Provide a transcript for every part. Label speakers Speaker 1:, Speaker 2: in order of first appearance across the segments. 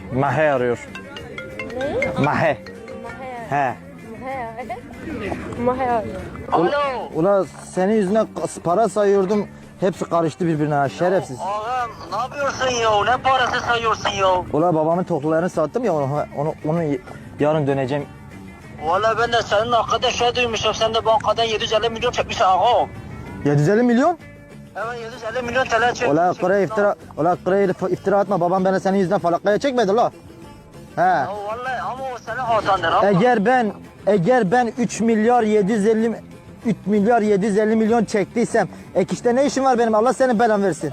Speaker 1: Mahe arıyor.
Speaker 2: Ne?
Speaker 1: Mahe. He.
Speaker 2: Mahe arıyor.
Speaker 3: Alo.
Speaker 1: Ula senin yüzüne para sayıyordum. Hepsi karıştı birbirine ha, şerefsiz.
Speaker 3: Ağam ne yapıyorsun ya? Ne parası sayıyorsun ya?
Speaker 1: Ula babamın toklularını sattım ya onu yarın döneceğim.
Speaker 3: Valla ben de senin hakkında şey duymuşum. Sen de bankadan 750 milyon çekmişsin ağam.
Speaker 1: 750 milyon?
Speaker 3: Evet 750 milyon TL çekmişsin.
Speaker 1: Ula kıraya iftira atma, babam beni senin yüzünden falakaya çekmedi la. He.
Speaker 3: Ya vallahi ama o senin hatandır ama.
Speaker 1: Eğer ben 3 milyar 750 milyon çektiysem ek işte ne işim var benim, Allah senin belanı versin.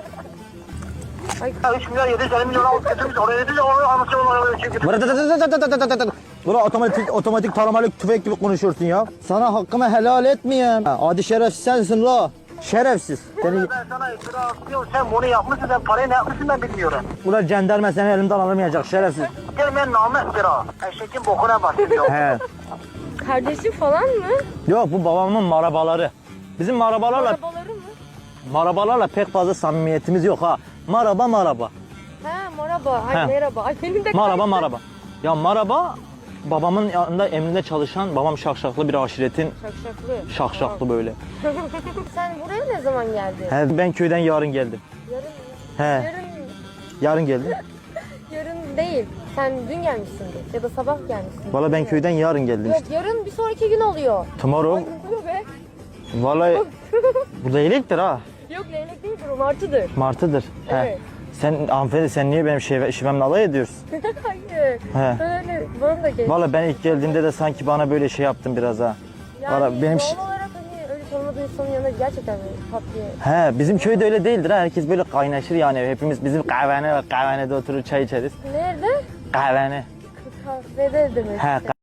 Speaker 3: 3 milyar 750 milyon alıp götürmüş. Oraya dedi de onu anlatıyor oraya çekip.
Speaker 1: Ula otomatik taramalı tüfek gibi konuşuyorsun ya. Sana hakkımı helal etmeyeyim. Adi şerefsiz sensin la. Şerefsiz. Seni...
Speaker 3: Ben sana iftira atıyorum. Sen bunu yapmışsın. Sen parayı ne yapmışsın ben bilmiyorum.
Speaker 1: Ula jandarma seni elimden alamayacak şerefsiz.
Speaker 3: Gel ben namı iftira. Eşekin bokuna basıyor.
Speaker 1: He.
Speaker 2: Kardeşim falan mı?
Speaker 1: Yok, bu babamın marabaları. Bizim
Speaker 2: Arabaları mı?
Speaker 1: marabalarla pek fazla samimiyetimiz yok ha. Maraba.
Speaker 2: Ha merhaba. Ay
Speaker 1: Ha.
Speaker 2: merhaba. Ay benim de
Speaker 1: Maraba. Ya maraba babamın yanında emrinde çalışan, babam şakşaklı bir aşiretin
Speaker 2: Şakşaklı.
Speaker 1: şakşaklı böyle.
Speaker 2: Sen buraya ne zaman geldin?
Speaker 1: He, ben köyden yarın geldim.
Speaker 2: Yarın.
Speaker 1: He,
Speaker 2: Yarın.
Speaker 1: yarın geldim.
Speaker 2: Yarın değil. Sen dün gelmişsindir ya da sabah gelmişsin.
Speaker 1: Valla ben köyden yarın geldim
Speaker 2: Yok
Speaker 1: işte.
Speaker 2: yarın bir sonraki gün oluyor.
Speaker 1: Tomorrow.
Speaker 2: Ay ne oluyor be?
Speaker 1: Vallahi burada iyiliktir ha.
Speaker 2: Yok leylek değildir o martıdır.
Speaker 1: Martıdır. He.
Speaker 2: Evet.
Speaker 1: Sen hanımefendi, sen niye benim şivemle alay ediyorsun?
Speaker 2: Hayır.
Speaker 1: He.
Speaker 2: Öyle bana da geç.
Speaker 1: Valla ben ilk geldiğimde de sanki bana böyle şey yaptın biraz ha.
Speaker 2: Yani
Speaker 1: Valla benim
Speaker 2: doğal olarak hani öyle tanımadığın insanın yanında gerçekten böyle pat diye.
Speaker 1: He, bizim köyde öyle değildir ha. Herkes böyle kaynaşır yani. Hepimiz bizim kahvede oturur çay içeriz.
Speaker 2: Nerede?
Speaker 1: Kahvene.
Speaker 2: Kahvede demek.
Speaker 1: He,